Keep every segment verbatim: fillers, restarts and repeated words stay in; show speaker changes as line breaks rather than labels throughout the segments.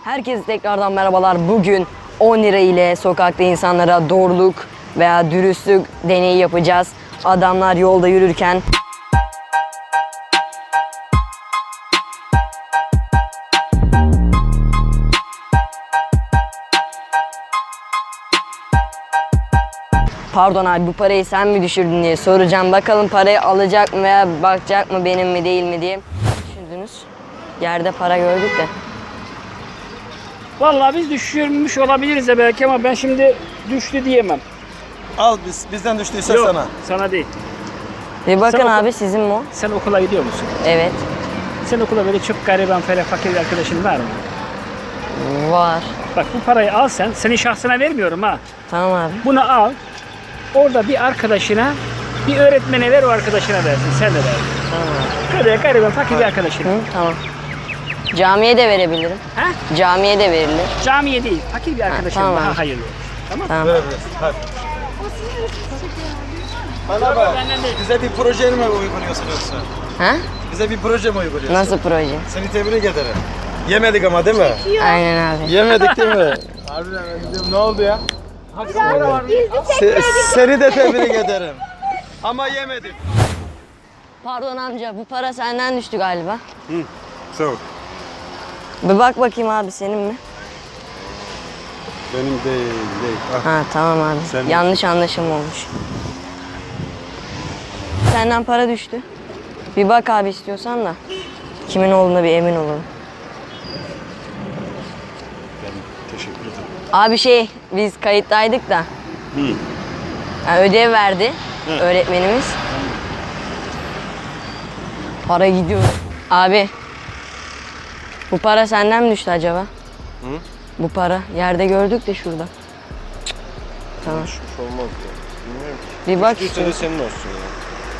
Herkese tekrardan merhabalar. Bugün on lira ile sokakta insanlara doğruluk veya dürüstlük deneyi yapacağız. Adamlar yolda yürürken pardon abi bu parayı sen mi düşürdün diye soracağım. Bakalım parayı alacak mı veya bakacak mı benim mi değil mi diye. Düşürdünüz. Yerde para gördük de.
Vallahi biz düşürmüş olabiliriz de belki ama ben şimdi düştü diyemem.
Al biz bizden düştüyse
Yok,
sana.
sana değil.
Bir bakın
Sen oku-
abi sizin mi o?
Sen okula gidiyor musun?
Evet.
Sen okula böyle çok gariban, ferah, fakir bir arkadaşın var mı?
Var.
Bak bu parayı al sen, senin şahsına vermiyorum ha.
Tamam abi.
Bunu al, orada bir arkadaşına, bir öğretmene ver, o arkadaşına versin, sen de ver.
Tamam abi.
Böyle gariban, fakir bir arkadaşına.
Hı, tamam. Camiye de verebilirim.
Ha?
Camiye de verilir.
Camiye değil, fakir bir arkadaşına
tamam
daha
abi.
hayırlı olur. Tamam.
Tamam.
Ver ver. Hadi. Bana bak.
Benden değil.
Bize bir proje mi uyguluyorsun yoksa?
Ha?
Bize bir proje mi uyguluyorsun?
Nasıl proje?
Seni tebrik ederim. Yemedik ama değil mi?
Aynen abi.
Yemedik değil mi? Harbiden ne oldu ya? Se- seni de tebrik ederim. Ama yemedik.
Pardon amca bu para senden düştü galiba.
Hı. Sağ ol.
Bir bak bakayım abi senin mi?
Benim değil, değil. Ah.
Ha tamam abi.
Senin.
Yanlış anlaşılma olmuş. Senden para düştü. Bir bak abi istiyorsan da. Kimin olduğuna bir emin olalım.
Teşekkür ederim.
Abi şey biz kayıttaydık da.
Hı.
Yani ödev verdi
Hı.
öğretmenimiz. Para gidiyor. Abi. Bu para senden mi düştü acaba?
Hı?
Bu para yerde gördük de şurada. Tamam.
Düşmüş olmaz ya. Bilmiyorum ki.
Bir bak
Düştüyse de
istiyorsan.
senin olsun ya.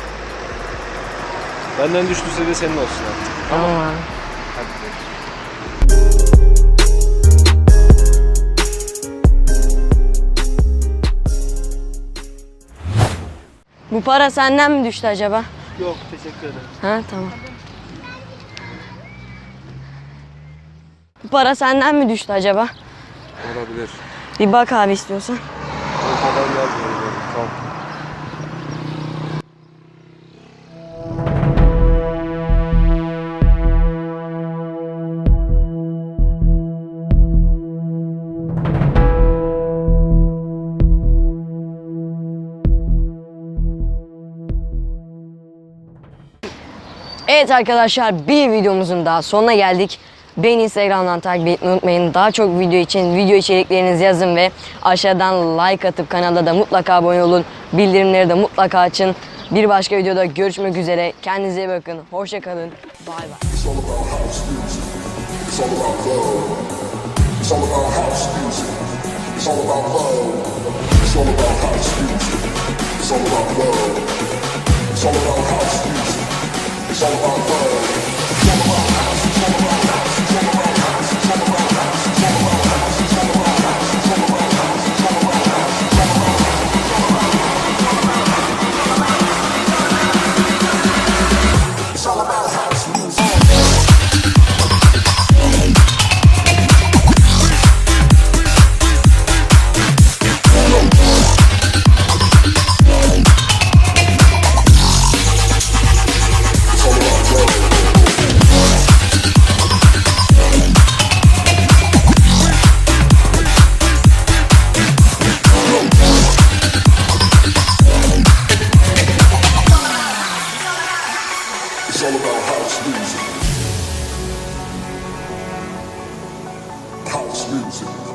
Benden düştüyse de senin olsun artık.
Tamam abi. Bu para senden mi düştü acaba?
Yok, teşekkür ederim.
Ha tamam. Bu para senden mi düştü acaba?
Olabilir.
Bir bak abi istiyorsan.
O kadar yazmıyor. Tamam.
Evet arkadaşlar bir videomuzun daha sonuna geldik. Beni Instagram'dan takip etmeyi unutmayın. Daha çok video için video içeriklerinizi yazın ve aşağıdan like atıp kanala da mutlaka abone olun. Bildirimleri de mutlaka açın. Bir başka videoda görüşmek üzere. Kendinize iyi bakın. Hoşça kalın. Bay bay.
It's all about house music. It's all about love. It's all about house music. It's all about love. It's all about house music. It's all about love. It's all about house music. It's all about love. It's all about house. It's all about house. It's all about house. It's all about house. It's all about house. It's all about house. It's all about house. It's all about house. It's all about house. It's all about house music. It's all about house music. House music.